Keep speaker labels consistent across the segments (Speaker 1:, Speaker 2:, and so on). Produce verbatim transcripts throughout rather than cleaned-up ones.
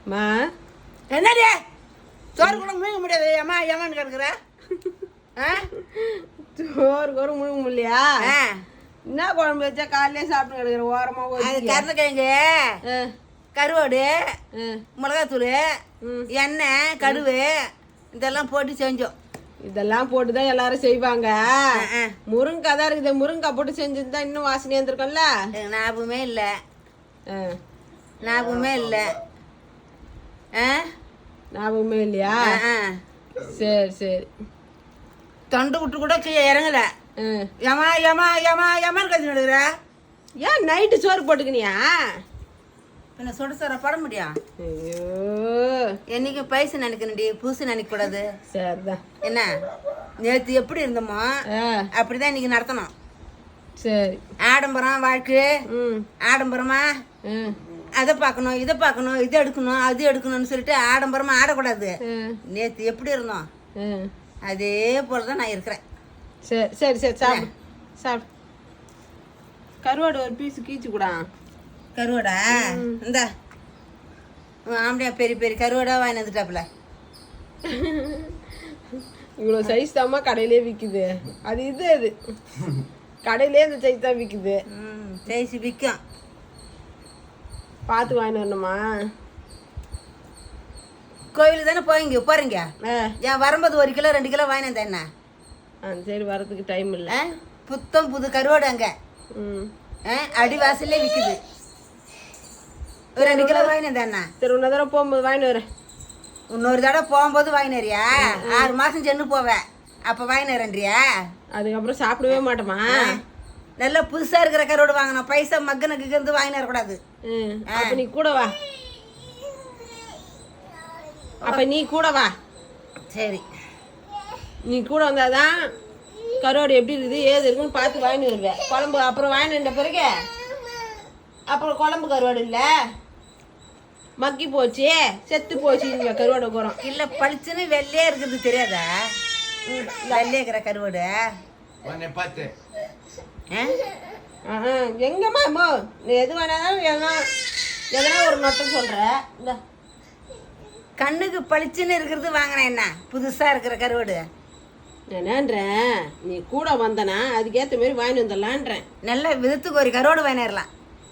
Speaker 1: மா
Speaker 2: என்னடி சோறு கூட முழுங்க முடியாது ஏமா ஏமான்னு கிடக்குற
Speaker 1: சோறு கூட முழுங்க முடியலையா என்ன குழம்பு வச்சா காலையிலே சாப்பிட்டு கிடக்குற ஓரமா
Speaker 2: அது கருணக்கிழங்கு கருவாடு மிளகாத்தூள் எண்ணெய் கடுகு இதெல்லாம் போட்டு செஞ்சோம்.
Speaker 1: இதெல்லாம் போட்டுதான் எல்லாரும் செய்வாங்க. முருங்கைக்காய் தான் இருக்குது. முருங்கைக்காய் போட்டு செஞ்சிருந்தா இன்னும் வாசனையா இருந்திருக்கும்ல.
Speaker 2: ஞாபகமே இல்லை ஞாபகமே இல்லை
Speaker 1: ஞாபகமே இல்லையா? சரி சரி.
Speaker 2: தொண்டை விட்டு கூட கீழே இறங்கல. ஏமா ஏமா ஏமா ஏமான்னு கத்தி நடுக்கிற.
Speaker 1: ஏன் நைட்டு சோறு போட்டுக்கினியா?
Speaker 2: என்ன சுட சோற போட முடியும்?
Speaker 1: ஐயோ
Speaker 2: என்னைக்கு பைசு நினைக்கணுடி புதுசு நினைக்க கூடாது.
Speaker 1: சரிதான்.
Speaker 2: என்ன நேற்று எப்படி இருந்தோமோ அப்படிதான் இன்னைக்கு நடத்தணும்.
Speaker 1: சரி.
Speaker 2: ஆடம்பரம் வாழ்க்கை ஆடம்பரமா அதை பார்க்கணும் இதை பார்க்கணும் இதை எடுக்கணும் அது எடுக்கணும்னு சொல்லிட்டு ஆடம்பரமா ஆடக்கூடாது. நேற்று எப்படி இருந்தோம் அதே போலதான் நான் இருக்கிறேன்.
Speaker 1: சரி சரி சரி சாப்பிடு சாப்பிடு. கருவாடு ஒரு பீஸ் கீச்சு கூட.
Speaker 2: கருவாடா இந்த ஆம்படியா பெரிய பெரிய கருவாடா வாங்கி வந்துட்டாப்புல.
Speaker 1: இவ்வளோ சைஸ் தாம்மா கடையிலே விற்குது. அது இது அது கடையிலே இந்த சைஸ் தான் விற்குது.
Speaker 2: ம் சைஸ் விற்கும்.
Speaker 1: பார்த்து வாங்கிட்டு வரணுமா?
Speaker 2: கோவிலுக்கு தானே போய்ங்க போறீங்க. ஏன் வரும்போது ஒரு கிலோ ரெண்டு கிலோ வாங்கினேன் என்ன?
Speaker 1: ஆ சரி வரதுக்கு டைம் இல்லை.
Speaker 2: புத்தம் புது கருவாடு அங்கே அடிவாசல்லே விற்குது. ஒரு ரெண்டு கிலோ வாங்கினேன் என்ன?
Speaker 1: சரி இன்னொரு தடவை போகும்போது வாங்கிட்டு வரேன்.
Speaker 2: இன்னொரு தடவை போகும்போது வாங்கினறியா? ஆறு மாதம் சென்று போவேன் அப்போ வாங்கினறன்றியா?
Speaker 1: அதுக்கப்புறம் சாப்பிடவே மாட்டோமா?
Speaker 2: நல்லா புதுசாக இருக்கிற கருவாடு வாங்கணும். பைசா மக்கனுக்கு இருந்து வாங்கின வரக்கூடாது.
Speaker 1: அப்போ நீ கூட வா. அப்போ நீ கூட வா.
Speaker 2: சரி
Speaker 1: நீ கூட வந்தாதான் கருவாடு எப்படி இருக்குது ஏது இருக்குன்னு பார்த்து வாங்கிட்டு வருவேன். குழம்பு அப்புறம் வாங்கின பிறகு அப்புறம் குழம்பு கருவாடு இல்லை மக்கி போச்சு செத்து போச்சு இங்கே கருவாடு போகிறோம்.
Speaker 2: இல்லை பளிச்சுன்னு வெள்ளையே இருக்குது தெரியாதா? வெள்ளையே இருக்கிற கருவாடு
Speaker 3: பார்த்து
Speaker 1: எங்கம்மா அம்மா நீ எது வேணாலும் எதனா எதனா ஒரு நொட்டம் சொல்கிற. இந்த
Speaker 2: கண்ணுக்கு பளிச்சுன்னு இருக்கிறது வாங்கினேன் என்ன புதுசாக இருக்கிற கருவாடு
Speaker 1: என்னன்றேன். நீ கூட வந்தனா அதுக்கேற்ற மாதிரி வாங்கி வந்துடலான்றேன்.
Speaker 2: நல்ல விதத்துக்கு ஒரு கருவாடு வாங்கிடலாம்.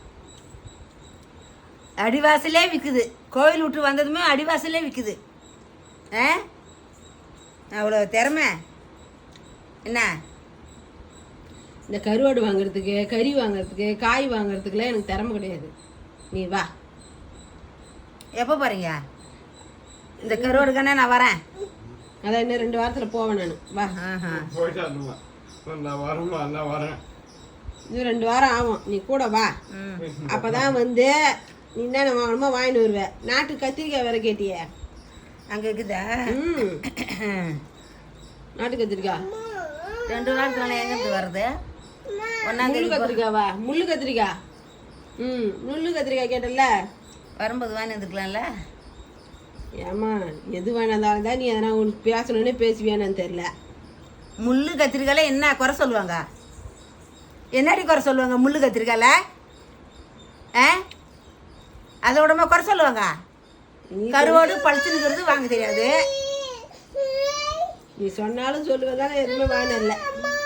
Speaker 2: அடிவாசலே விற்குது. கோவில் விட்டு வந்ததுமே அடிவாசலே விற்குது. ஆ அவ்வளோ திறமை என்ன?
Speaker 1: இந்த கருவாடு வாங்குறதுக்கு கறி வாங்குறதுக்கு காய் வாங்குறதுக்குலாம் எனக்கு திறமை கிடையாது. நீ வா.
Speaker 2: எப்போ போகிறீங்க? இந்த கருவாடுக்கானே நான் வரேன்.
Speaker 1: அதான் இன்னும் ரெண்டு வாரத்தில் போவேன் நான். வா.
Speaker 3: நான் வரேன்.
Speaker 1: இன்னும் ரெண்டு வாரம் ஆகும். நீ கூட வா. அப்போதான் வந்து நீ என்ன வாங்கணுமோ வாங்கிட்டு வருவேன். நாட்டு கத்திரிக்காய் வேற கேட்டியே
Speaker 2: அங்கே இருக்குதா?
Speaker 1: ம் நாட்டு கத்திரிக்காய்
Speaker 2: ரெண்டு வாரத்தில் எங்கேருந்து வருது?
Speaker 1: முள்ளு கத்திரிக்காவா? முள்ளு கத்திரிக்காய். ம் முள்ளு கத்திரிக்காய் கேட்டல
Speaker 2: வரும்போது வாங்கி வந்துக்கலாம்ல.
Speaker 1: ஏமா எது வேணாந்தாலும் தான் நீ எதனா உனக்கு பேசணுன்னே பேசுவியானு தெரில.
Speaker 2: முள்ளு கத்திரிக்காயில் என்ன குறை சொல்லுவாங்க? என்னடி குறை சொல்லுவாங்க முள்ளு கத்திரிக்காயில்? ஆ அதோடமா குறை சொல்லுவாங்க? கருவாடு பழிச்சுங்கிறது வாங்க தெரியாது.
Speaker 1: நீ சொன்னாலும் சொல்லுவதானே எதுவுமே வாங்கினல.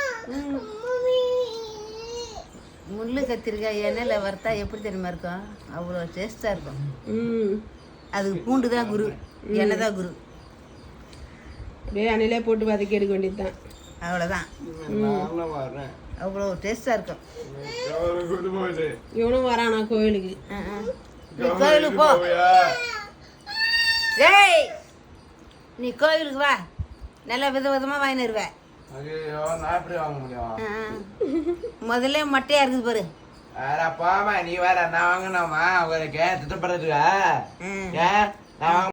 Speaker 2: முள்ளு கத்திரிக்காய் எண்ணெயில் வறுத்தா எப்படி தெரியுமா இருக்கும்? அவ்வளோ டேஸ்ட்டாக இருக்கும்.
Speaker 1: ம்
Speaker 2: அதுக்கு பூண்டு தான் குரு, எண்ணெய் தான் குரு.
Speaker 1: அப்படியே எண்ணெயிலே போட்டு வதக்கி எடுக்க வேண்டியது தான்.
Speaker 2: அவ்வளோதான். அவ்வளோ டேஸ்ட்டாக இருக்கும்.
Speaker 1: இவனும் வரானா கோயிலுக்கு?
Speaker 2: நீ கோயிலுக்கு போ. ஏய் நீ கோயிலுக்கு வா. நல்லா வித விதமாக வாங்கிடுவேன். முதல்ல மட்டையா இருக்குது பாரு.
Speaker 3: நீ வேற நான் வாங்கினோமா உங்களுக்கு திட்டப்படுறதுக்கா?